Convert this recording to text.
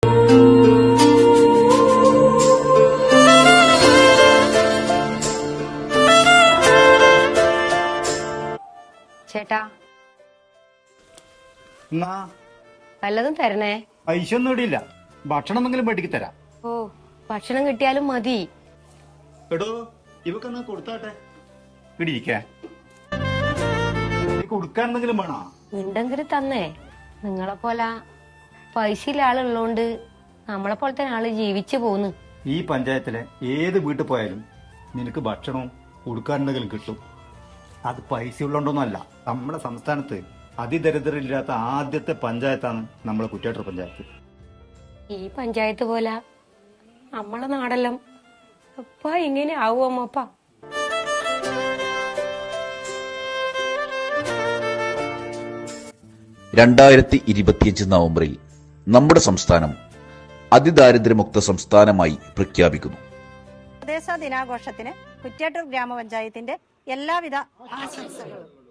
ചേട്ടാ എന്നാ വല്ലതും തരണേ. പൈസ ഒന്നും ഇടില്ല, ഭക്ഷണം എന്തെങ്കിലും പഠിക്കി തരാം. ഓ, ഭക്ഷണം കിട്ടിയാലും മതി. എടോ ഇവക്കെന്നാ കൊടുത്താട്ടെ. ഇടിയിരിക്കേ കൊടുക്കാൻ എന്തെങ്കിലും വേണോ? ഉണ്ടെങ്കിൽ തന്നേ. നിങ്ങളെ പോലെ പൈസ ഇല്ല ആളുള്ളോണ്ട് നമ്മളെ പോലെ തന്നെ ആള് ജീവിച്ചു പോന്ന്. ഈ പഞ്ചായത്തിലെ ഏത് വീട്ടിൽ പോയാലും നിനക്ക് ഭക്ഷണവും കൊടുക്കാനുണ്ടെങ്കിലും കിട്ടും. അത് പൈസ ഉള്ളതുകൊണ്ടൊന്നുമല്ല. നമ്മുടെ സംസ്ഥാനത്ത് അതിദരിദ്രരില്ലാത്ത ആദ്യത്തെ പഞ്ചായത്താണ് നമ്മളെ കുറ്റ്യാട്ടൂർ പഞ്ചായത്ത്. ഈ പഞ്ചായത്ത് പോലെ നമ്മളെ നാടെല്ലാം അപ്പ ഇങ്ങനെ ആവുമോപ്പ. നവംബറിൽ നമ്മുടെ സംസ്ഥാനം അതിദാരിദ്ര്യമുക്ത സംസ്ഥാനമായി പ്രഖ്യാപിക്കുന്നു. പ്രദേശ ദിനാഘോഷത്തിന് കുറ്റ്യാട്ടൂർ ഗ്രാമപഞ്ചായത്തിന്റെ എല്ലാവിധ ആശംസകളും.